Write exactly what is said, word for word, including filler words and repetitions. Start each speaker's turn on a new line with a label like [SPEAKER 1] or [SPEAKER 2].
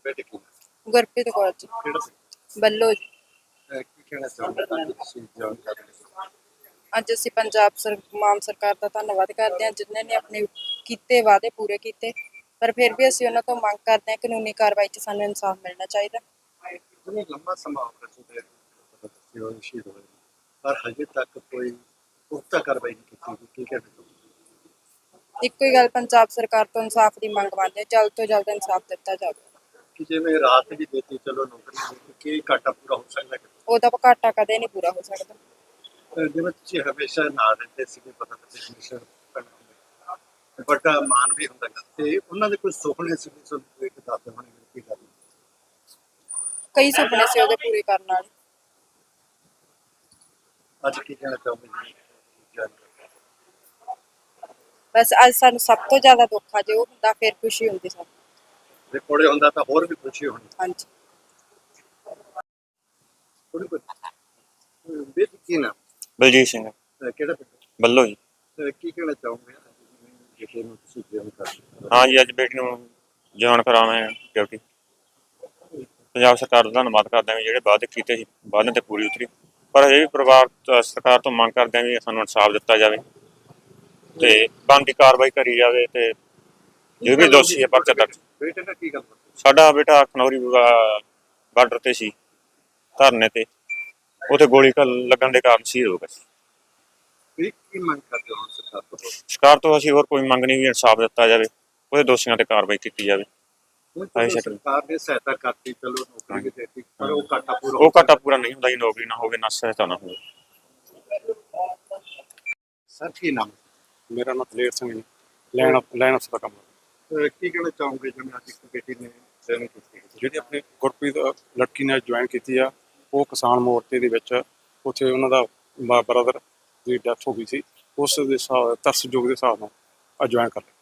[SPEAKER 1] ਬੇਟੇ ਕੀ
[SPEAKER 2] ਗੁਰਪ੍ਰੀਤ ਕੌਰ ਜੀ,
[SPEAKER 1] ਕਿਹੜਾ ਸੀ
[SPEAKER 2] ਬੱਲੋ ਜੀ।
[SPEAKER 1] ਅਹ ਕੀ ਕਹਿਣਾ ਚਾਹੁੰਦੇ ਅੱਜ ਤੁਸੀਂ ਜਾਣ ਕਰਦੇ
[SPEAKER 2] ਅੱਜ ਅਸੀਂ ਪੰਜਾਬ ਸਰ ਮਾਨ ਸਰਕਾਰ ਦਾ ਧੰਨਵਾਦ ਕਰਦੇ ਹਾਂ, ਜਿਨ੍ਹਾਂ ਨੇ ਆਪਣੇ ਕੀਤੇ ਵਾਅਦੇ ਪੂਰੇ ਕੀਤੇ। ਪਰ ਫਿਰ ਵੀ ਅਸੀਂ ਉਹਨਾਂ ਤੋਂ ਮੰਗ ਕਰਦੇ ਹਾਂ ਕਾਨੂੰਨੀ ਕਾਰਵਾਈ 'ਚ ਸਾਨੂੰ ਇਨਸਾਫ ਮਿਲਣਾ ਚਾਹੀਦਾ।
[SPEAKER 1] ਜਿਵੇਂ ਲੰਬਾ ਸਮਾਂ ਹੋ ਰਿਹਾ ਸੀ ਉਹ ਸ਼ਹੀਦ ਹੋਏ ਪਰ ਹਜੇ ਤੱਕ ਕੋਈ ਪੁਖਤਾ ਕਾਰਵਾਈ ਨਹੀਂ ਕੀਤੀ ਗਈ। ਕੀ ਕਹਿਣਾ ਚਾਹੁੰਦੇ
[SPEAKER 2] ਇੱਕੋ ਹੀ ਗੱਲ ਪੰਜਾਬ ਸਰਕਾਰ ਤੋਂ ਇਨਸਾਫ ਦੀ ਮੰਗ ਮੰਨਦੇ ਹਾਂ, ਜਲਦ ਤੋਂ ਜਲਦ ਇਨਸਾਫ ਦਿੱਤਾ ਜਾਵੇ।
[SPEAKER 1] ਕਿ ਜਿਵੇਂ ਰਾਤ ਵੀ ਦੇਤੀ ਚਲੋ ਨੌਕਰੀ ਦਿੱਤੀ, ਕੀ ਘਾਟਾ ਪੂਰਾ ਹੋ ਸਕਦਾ ਹੈ?
[SPEAKER 2] ਉਹਦਾ ਘਾਟਾ ਕਦੇ ਨਹੀਂ ਪੂਰਾ ਹੋ ਸਕਦਾ।
[SPEAKER 1] ਅਹ ਜਿਵੇਂ ਤੁਸੀਂ ਹਮੇਸ਼ਾ ਨਾਲ ਰਹਿੰਦੇ ਸੀਗੇ, ਪਤਾ ਤੁਸੀਂ ਹਮੇਸ਼ਾ ਵੱਡਾ ਮਾਨ ਵੀ ਹੁੰਦਾ ਗਾ, ਤੇ ਉਹਨਾਂ ਦੇ ਕੋਈ ਸੁਪਨੇ ਸੀ ਵੀ ਤੁਹਾਨੂੰ ਇੱਕ ਦੱਸਦੇ ਹੋਣੇ ਕੀ ਗੱਲ
[SPEAKER 2] ਕਈ ਸੁਪਨੇ ਸੀ ਉਹਦੇ ਪੂਰੇ ਕਰਨ ਵਾਲੇ।
[SPEAKER 1] ਅੱਜ ਕੀ ਕਹਿਣਾ ਚਾਹੁੰਦੇ ਜੀ?
[SPEAKER 2] ਬਸ ਅੱਜ ਸਾਨੂੰ ਸਭ ਤੋਂ ਜ਼ਿਆਦਾ ਦੁੱਖ ਆ, ਜੇ ਉਹ ਹੁੰਦਾ ਫਿਰ ਖੁਸ਼ੀ ਹੁੰਦੀ ਸਾਨੂੰ।
[SPEAKER 1] ਜੇ ਕੋਲੇ ਹੁੰਦਾ ਤਾਂ ਹੋਰ ਵੀ ਖੁਸ਼ੀ ਹੋਣੀ।
[SPEAKER 2] ਹਾਂਜੀ।
[SPEAKER 1] ਥੋੜੀ ਕੋਈ ਬੇਟੀ ਕੀ ਨਾ
[SPEAKER 3] ਬਲਜੀਤ ਸਿੰਘ
[SPEAKER 1] ਕਿਹੜਾ ਪਿੰਡ?
[SPEAKER 3] ਬੱਲੋ ਜੀ।
[SPEAKER 1] ਅਹ ਕੀ ਕਹਿਣਾ ਚਾਹੋਗੇ ਜਿਹੜੇ ਨੂੰ ਤੁਸੀਂ ਜੇਮ ਕਰਦੇ?
[SPEAKER 3] ਹਾਂ ਜੀ, ਅੱਜ ਬੇਟੀ ਨੂੰ ਜਵਾਨ ਕਰਾਉਣਾ ਡਿਊਟੀ। ਪੰਜਾਬ ਸਰਕਾਰ ਦਾ ਧੰਨਵਾਦ ਕਰਦੇ ਹਾਂ ਵੀ ਜਿਹੜੇ ਵਾਅਦੇ ਕੀਤੇ ਸੀ ਵਾਅਦਿਆਂ 'ਤੇ ਪੂਰੀ ਉਤਰੀ। ਪਰ ਇਹ ਵੀ ਪਰਿਵਾਰ ਤੋਂ ਸਰਕਾਰ ਤੋਂ ਮੰਗ ਕਰਦੇ ਹਾਂ ਵੀ ਸਾਨੂੰ ਇਨਸਾਫ ਦਿੱਤਾ ਜਾਵੇ ਅਤੇ ਬਣਦੀ ਕਾਰਵਾਈ ਕਰੀ ਜਾਵੇ, ਅਤੇ ਜੋ ਵੀ ਦੋਸ਼ੀ ਹੈ ਪਰਚਾ ਦਰਜ।
[SPEAKER 1] ਬੇਟੇ ਨਾਲ ਕੀ ਗੱਲ ਬਾਤ?
[SPEAKER 3] ਸਾਡਾ ਬੇਟਾ ਖਨੌਰੀ ਬਾਰਡਰ 'ਤੇ ਸੀ ਧਰਨੇ 'ਤੇ, ਉੱਥੇ ਗੋਲੀ ਘ- ਲੱਗਣ ਦੇ ਕਾਰਨ ਸ਼ਹੀਦ ਹੋ ਗਿਆ ਸੀ।
[SPEAKER 1] ਕੀ ਕੀ ਮੰਗ ਕਰਦੇ ਹੋ ਸਰਕਾਰ ਤੋਂ?
[SPEAKER 3] ਸਰਕਾਰ ਤੋਂ ਅਸੀਂ ਹੋਰ ਕੋਈ ਮੰਗ ਨਹੀਂ ਵੀ ਇਨਸਾਫ ਦਿੱਤਾ ਜਾਵੇ, ਉਹਦੇ ਦੋਸ਼ੀਆਂ 'ਤੇ ਕਾਰਵਾਈ ਕੀਤੀ ਜਾਵੇ।
[SPEAKER 1] ਹੁਣ ਚਲੋ ਸਰਕਾਰ ਨੇ ਸਹਾਇਤਾ ਕਰਤੀ, ਚਲੋ ਨੌਕਰੀ ਵੀ ਦੇਤੀ, ਪਰ ਉਹ ਘਾਟਾ ਪੂਰਾ
[SPEAKER 3] ਉਹ ਘਾਟਾ ਪੂਰਾ ਨਹੀਂ ਹੁੰਦਾ ਜੀ, ਨੌਕਰੀ ਨਾ ਹੋਵੇ ਨਾ ਸਹਾਇਤਾ ਨਾ ਹੋਵੇ।
[SPEAKER 1] ਸਰ ਕੀ ਨਾਮ?
[SPEAKER 4] ਮੇਰਾ ਨਾਮ ਦਲੇਰ ਸਿੰਘ ਜੀ, ਲੈਣ ਲੈਣ ਅਫਸਰ ਦਾ ਕੰਮ।
[SPEAKER 1] ਅਹ ਕੀ ਕਹਿਣਾ ਚਾਹੋਗੇ ਜਿਵੇਂ ਅੱਜ ਇੱਕ ਬੇਟੀ ਨੇ ਜੁਆਇਨ ਕੀਤੀ?
[SPEAKER 4] ਜਿਹੜੀ ਆਪਣੀ ਗੁਰਪ੍ਰੀਤ ਲੜਕੀ ਨੇ ਜੁਆਇਨ ਕੀਤੀ ਆ, ਉਹ ਕਿਸਾਨ ਮੋਰਚੇ ਦੇ ਵਿੱਚ ਉੱਥੇ ਉਹਨਾਂ ਦਾ ਬ੍ਰਦਰ ਦੀ ਡੈਥ ਹੋ ਗਈ ਸੀ, ਉਸ ਦੇ ਹਿਸਾਬ ਤਰਸਯੋਗ ਦੇ ਹਿਸਾਬ ਨਾਲ ਜੁਆਇਨ ਕਰ ਲਿਆ।